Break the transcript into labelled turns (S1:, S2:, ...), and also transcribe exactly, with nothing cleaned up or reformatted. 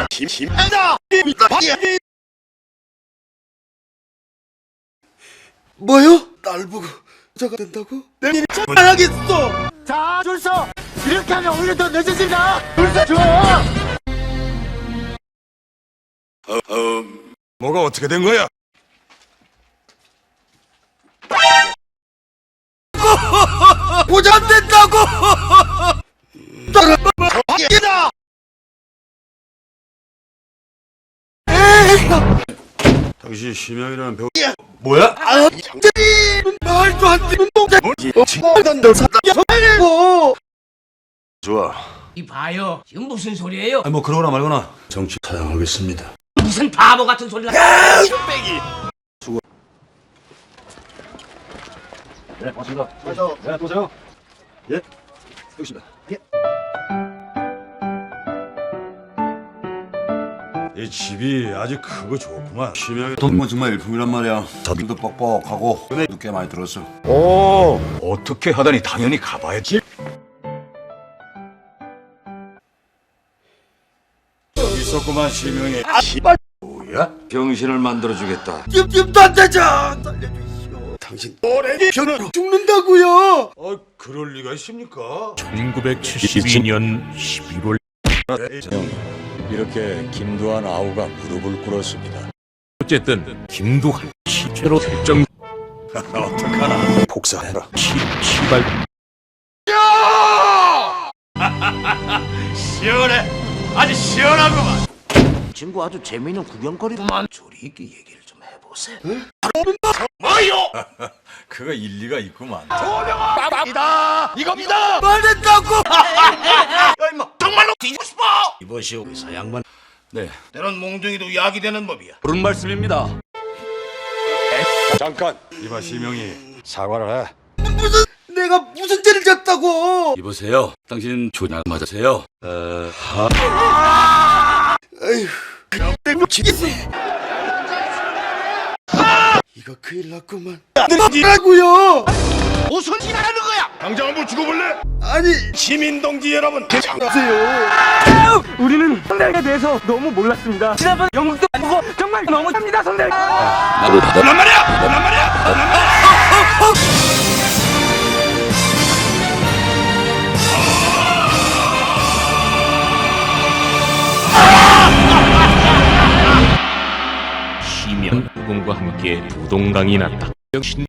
S1: 심심하다.
S2: 뭐요? 날 보고 저가 된다고? 내일 안 하겠어.
S1: 자, 줄 서. 이렇게 하면 오히려 더 늦어진다. 줄 서 줘.
S2: 뭐가 어떻게 된 거야? 고장된다고!
S1: 이다.
S2: 당신 심형이라는 배우
S1: 뭐야? 아,
S2: 말도 안 되는 동작
S1: 친구단들 사다.
S2: 뭐 좋아.
S3: 이 봐요. 지금 무슨 소리예요?
S2: 아니 뭐 그러거나 말거나 정치 사양하겠습니다.
S3: 무슨 바보 같은 소리를
S2: 네, 고맙습니다. 네, 보세요. 예, 여기 있습니다. 예. 이 집이 아주 크고 좋구만. 심형이 돈은 정말 일품이란 말이야. 자들도 뻑뻑하고 은혜도 꽤 많이 들었어.
S4: 오, 어떻게 하다니 당연히 가봐야지.
S2: 여기 있었구만 심형이.
S1: 아, 씨발.
S2: 뭐야? 병신을 만들어주겠다.
S1: 찜찜도 안 되자. 살려주시오.
S2: 당신
S1: 오래기 병으로 죽는다고요.
S2: 어, 그럴 리가 있습니까?
S5: 천구백칠십이 년 십일월
S4: 이렇게 김두한 아우가 무릎을 꿇었습니다.
S5: 어쨌든 김두한 시체로 설정
S2: 어떡하나. 복사해라.
S5: 시, 시발
S1: 시원해. 아주 시원하구만.
S3: 친구 아주 재미있는 구경거리구만. 조리 있게 얘기를 좀 해보세요.
S1: 뭐요?
S2: 그거 일리가 있구만.
S1: 이다. 이겁니다.
S2: 말했다고.
S1: 야, 임마. 정말로 뒤지고 싶어.
S2: 이보시오, 의사 양반. 네.
S1: 때론 몽둥이도 약이 되는 법이야.
S4: 그런 말씀입니다.
S2: 잠깐. 이봐 심형이 사과를 해.
S1: 무슨 내가 무슨 죄를 졌다고?
S4: 이보세요. 당신 조냐 맞으세요? 어, 하...
S1: 때묻히겠어. 이거 큰일 났구만. 뭐라고요? 무슨 짓 하는 거야? 당장 한번 죽어볼래?
S2: 아니,
S1: 시민 동지 여러분, 괜찮으세요?
S6: 우리는 선대에 대해서 너무 몰랐습니다. 지난번 영국도 보고 정말 너무 합니다, 선대.
S4: 나도 받아.
S1: 란 말이야! 란 말이야! 란 말이야!
S5: 시면 후궁과 함께 부동강이 났다. 역시